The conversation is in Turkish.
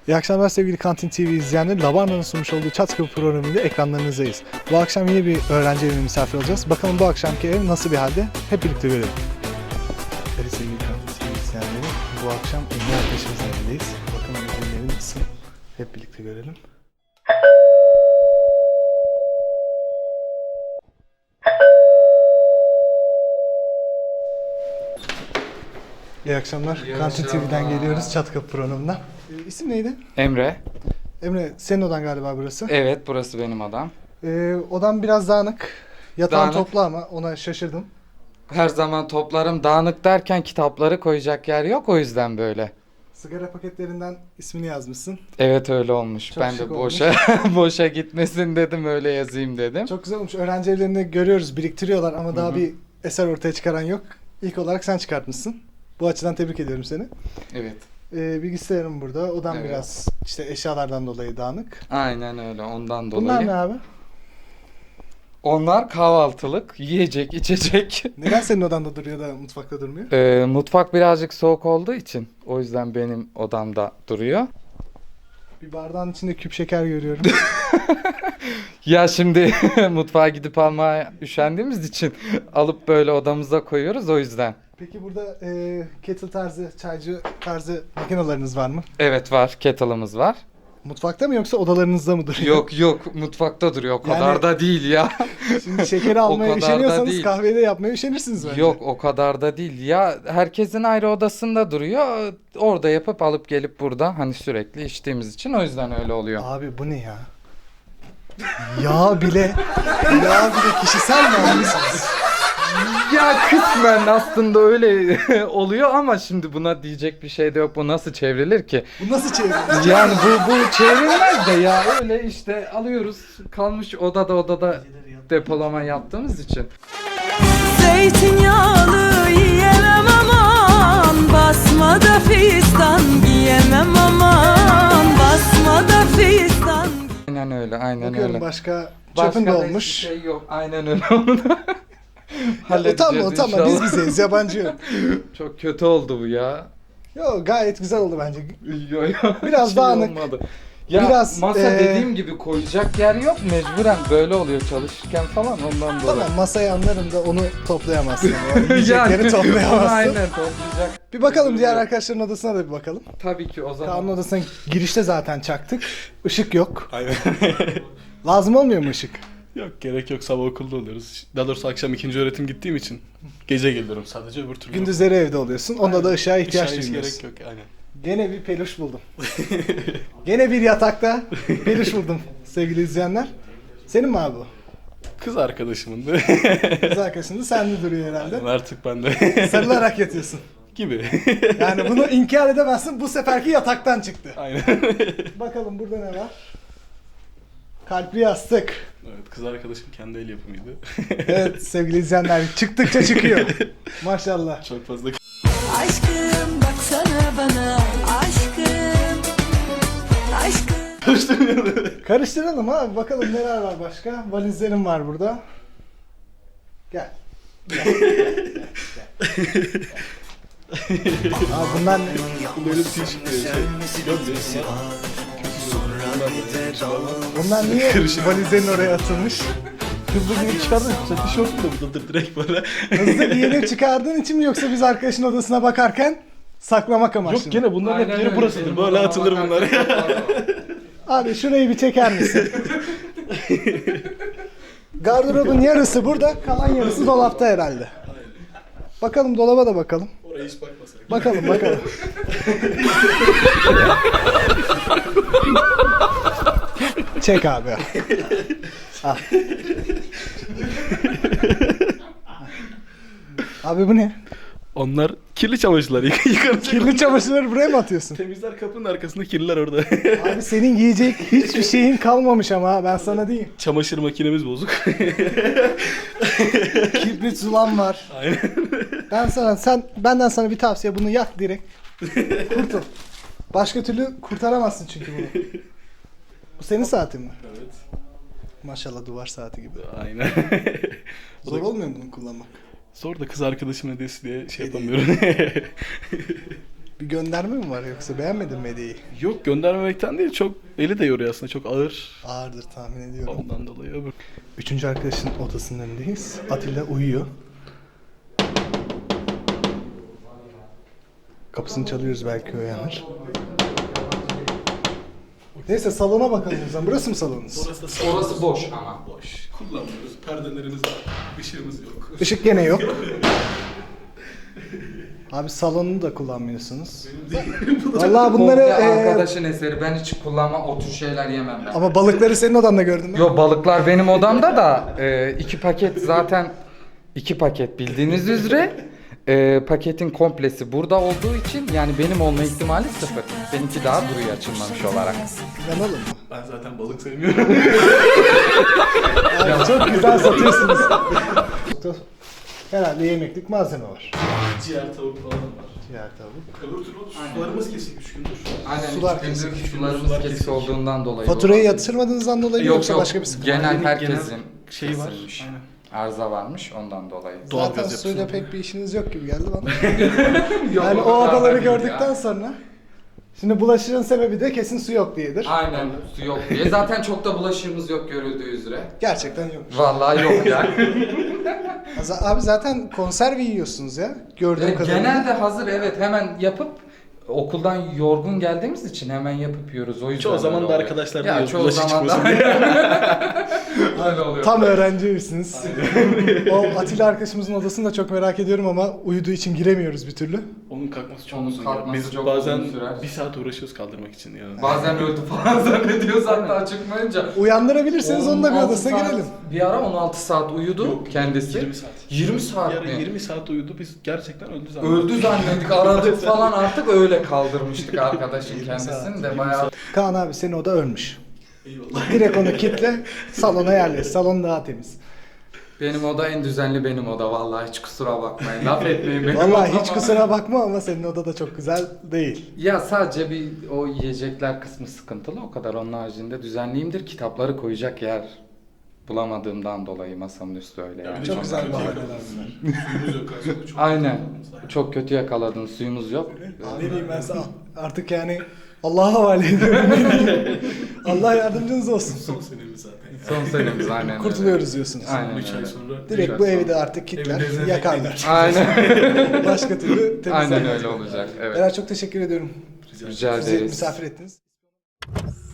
İyi akşamlar sevgili Kantin TV izleyenleri. Lavarna'nın sunmuş olduğu Çat Kapı programıyla ekranlarınızdayız. Bu akşam yine bir öğrenci evine misafir olacağız. Bakalım bu akşamki ev nasıl bir halde? Hep birlikte görelim. Evet sevgili Kantin TV izleyenleri, bu akşam Emre arkadaşımızın evindeyiz. Bakalım Emre'nin evi nasıl? Hep birlikte görelim. İyi akşamlar. İyi Kantin akşamlar. TV'den geliyoruz Çat Kapı programından. İsim neydi? Emre. Emre, senin odan galiba burası. Evet, burası benim odam. Odam biraz dağınık. Yatağın Dağınık. toplu ama ona şaşırdım. Her zaman toplarım dağınık derken kitapları koyacak yer yok, o yüzden böyle. Sigara paketlerinden ismini yazmışsın. Evet, öyle olmuş. Çok Ben de şık boşa boşa gitmesin dedim, öyle yazayım dedim. Çok güzel olmuş. Öğrenci evlerinde görüyoruz, biriktiriyorlar ama daha bir eser ortaya çıkaran yok. İlk olarak sen çıkartmışsın. Bu açıdan tebrik ediyorum seni. Evet. Bilgisayarım burada. Odam Evet. biraz işte eşyalardan dolayı dağınık. Aynen öyle, ondan dolayı. Bunlar ne abi? Onlar kahvaltılık, yiyecek, içecek. Neden senin odanda duruyor da mutfakta durmuyor? Mutfak birazcık soğuk olduğu için, o yüzden benim odamda duruyor. Bir bardağın içinde küp şeker görüyorum. Ya şimdi mutfağa gidip almaya üşendiğimiz için alıp böyle odamıza koyuyoruz, o yüzden. Peki burada kettle tarzı, çaycı tarzı makineleriniz var mı? Evet, var, kettle'ımız var. Mutfakta mı yoksa odalarınızda mı duruyor? Yok, mutfakta duruyor, o kadar Yani- da değil ya. Şimdi şekeri almaya kadar da üşeniyorsanız değil. kahveyi de yapmaya üşenirsiniz bence. Yok, o kadar da değil ya, herkesin ayrı odasında duruyor, orada yapıp alıp gelip burada hani sürekli içtiğimiz için, o yüzden öyle oluyor. Abi bu ne ya? yağ bile kişisel mi almışsınız? Ya kısmen aslında öyle oluyor ama şimdi buna diyecek bir şey de yok, bu nasıl çevrilir ki? Bu nasıl çevirilir? Yani bu çevrilmez de ya, öyle işte alıyoruz, kalmış odada depolama yaptığımız için. Zeytinyağlı yiyemem aman, basmada fistan giyemem aman, basmada fistan. Aynen öyle, Bakıyorum öyle. başka Başka çöpün de da olmuş. hiçbir şey yok, aynen öyle oldu. Utanma inşallah. biz bizeyiz, yabancı yok. Çok kötü oldu bu ya. Yo gayet güzel oldu bence. Yo. Biraz Hiç iyi dağınık. olmadı. Ya Biraz, masa dediğim gibi koyacak yer yok, mecburen böyle oluyor çalışırken falan, ondan dolayı. Tamam masayı anlarım da onu toplayamazsın. O yiyecekleri onu toplayamazsın. aynen toplayacak. Bir bakalım diğer arkadaşların odasına da bir bakalım. Tabii ki o zaman. Kaan'ın odasına girişte zaten çaktık. Işık yok. Aynen. Lazım olmuyor mu ışık? Yok gerek yok, sabah okulda oluyoruz. Daha doğrusu akşam ikinci öğretim gittiğim için gece geliyorum sadece, öbür türlü. Gündüzleri evde oluyorsun. Onda da ışığa ihtiyaç Işığa hiç duymuyorsun. gerek yok aynen. Gene bir peluş buldum. Gene bir yatakta peluş buldum sevgili izleyenler. Senin mi abi bu? Kız arkadaşımın da. Kız arkadaşın da sende duruyor herhalde. Artık ben de. Sarılarak yatıyorsun. Gibi. Yani bunu inkar edemezsin. Bu seferki yataktan çıktı. Aynen. Bakalım burada ne var? Kalpli yastık. Evet, kız arkadaşım kendi el yapımıydı. Evet sevgili izleyenler çıktıkça çıkıyor. Maşallah. Çok fazla Aşkım baksana bana, aşkım, aşkım. Karıştıralım abi bakalım neler var başka. Valizlerim var burada. Gel. Gel. Abi bunlar ne? böyle bir şey çıkıyor. Bunlar niye Karışık. valizlerin oraya atılmış? Hızlı giyip çıkardın. Tişörtüm de buradadır direkt böyle. Hızlı giyinip çıkardığın için mi yoksa biz arkadaşın odasına bakarken saklamak amaçlı Yok mı? gene bunların hep yeri burasıdır. Böyle atılır bunlar. Abi şurayı bir çeker misin? Gardırobun yarısı burada, kalan yarısı dolapta herhalde. Bakalım dolaba da bakalım. Oraya hiç bakmasak. Bakalım. Çek abi. Al. Abi bu ne? Onlar kirli çamaşırlar. Yıkanacak. Kirli çamaşırları buraya mı atıyorsun? Temizler kapının arkasında, kirliler orada. Abi senin giyecek hiçbir şeyin kalmamış ama ben sana diyeyim. Çamaşır makinemiz bozuk. Kibrit zulan var. Aynen. Benden sana bir tavsiye, bunu yak direkt. Kurtul. Başka türlü kurtaramazsın çünkü bunu. Bu senin saatin mi? Evet. Maşallah duvar saati gibi. Aynen. Zor olmuyor mu bunu kullanmak? Zor da kız arkadaşım hediyesi diye şey Hediye. yapamıyorum. Bir gönderme mi var yoksa beğenmedin mi hediyeyi? Yok göndermemekten değil, çok eli de yoruyor aslında, çok ağır. Ağırdır tahmin ediyorum. Ondan dolayı öbür. Üçüncü arkadaşın odasının önündeyiz. Atilla uyuyor. Kapısını çalıyoruz, belki uyanır. Neyse salona bakalım o zaman. Burası mı salonunuz? Orası boş ama. Boş. Kullanmıyoruz. Perdelerimiz var. Işığımız yok. Işık gene yok. Abi salonu da kullanmıyorsunuz. Vallahi bunları Komple arkadaşın eseri. Ben hiç kullanmam, o tür şeyler yemem ben. ama balıkları senin odanda gördüm ben. Yo, balıklar benim odamda da 2 paket zaten 2 paket bildiğiniz üzere paketin komplesi burada olduğu için yani benim olma ihtimali 0. Benimki daha duruyor açılmamış olarak. Yanalım mı? Ben zaten balık sevmiyorum. Abi çok güzel satıyorsunuz. Herhalde yemeklik malzeme var. Ciğer tavuk falan var. Ciğer tavuk. Öbür türlü sularımız kesik 3 gündür. Aynen, Sular üç gündür kesik. sularımız Sular kesik kesik. olduğundan dolayı. Faturayı olabilir. yatırmadığınızdan dolayı mı Yok yoksa yok, başka bir sıkıntı var? genel herkesin şey var. kesilmiş. Aynen. Arıza varmış ondan dolayı. Doğal Zaten gaz suyla yapısına. pek bir işiniz yok gibi geldi bana. Yok, Yani o kadar da odaları değil gördükten ya. sonra. Şimdi bulaşığın sebebi de kesin su yok diyedir. Aynen, su yok diye. Zaten çok da bulaşığımız yok görüldüğü üzere. Gerçekten yok. Vallahi yok yani. Abi zaten konserve yiyorsunuz ya. Gördüğüm kadarıyla. Genelde hazır, evet, hemen yapıp okuldan yorgun geldiğimiz için hemen yapıp yiyoruz. O yüzden Çoğu zaman öyle da oluyor. arkadaşlar Ya diyor, çoğu bulaşık zaman da çıkmasın öyle oluyor. Tam öğrencisiniz. O Atilla arkadaşımızın odasını da çok merak ediyorum ama uyuduğu için giremiyoruz bir türlü. Onun kalkması çok Onun uzun ya. kalkması Biz çok bazen uzun sürer. 1 saat uğraşıyoruz kaldırmak için ya. Bazen öldü falan zannediyoruz hatta çıkmayınca. Uyandırabilirseniz onun da bir 16 odasına saat- girelim. Bir ara 16 saat uyudu Yok, kendisi. 20 saat. 20 saat Bir ara mi? 20 saat uyudu, biz gerçekten öldü zannettik. Öldü zannettik, aradık falan, artık öyle kaldırmıştık arkadaşın 20 kendisini saat, de 20 bayağı. saat. Kaan abi senin oda ölmüş. Eyvallah. Direkt onu kitle, salona yerleş. Salon daha temiz. Benim oda en düzenli benim oda, vallahi hiç kusura bakmayın. Laf etmeyin benim Vallahi odama. hiç kusura bakma ama senin oda da çok güzel değil. Ya sadece bir o yiyecekler kısmı sıkıntılı, o kadar. Onun haricinde düzenliyimdir. Kitapları koyacak yer bulamadığımdan dolayı masamın üstü öyle yani. Çok güzel kötü bahaneler yakaladınız. bunlar. Suyumuz yok aslında. Çok Aynen. kötü yakaladınız. Çok kötü yakaladın. Suyumuz yok. Ne diyeyim ben sana? Artık yani Allah'a havale ediyorum. Ne diyeyim? Allah yardımcınız olsun. Son senemiz zaten. Son senemiz aynen öyle. Kurtuluyoruz diyorsunuz. Aynen 3 ay öyle. sonra. Direkt bu evi de artık kitler, Evin yakarlar. Aynen. Başka türlü temizlenmez. Aynen öyle olacak. Evet. Beyler çok teşekkür ediyorum. Rica Bizi ederiz. misafir ettiniz.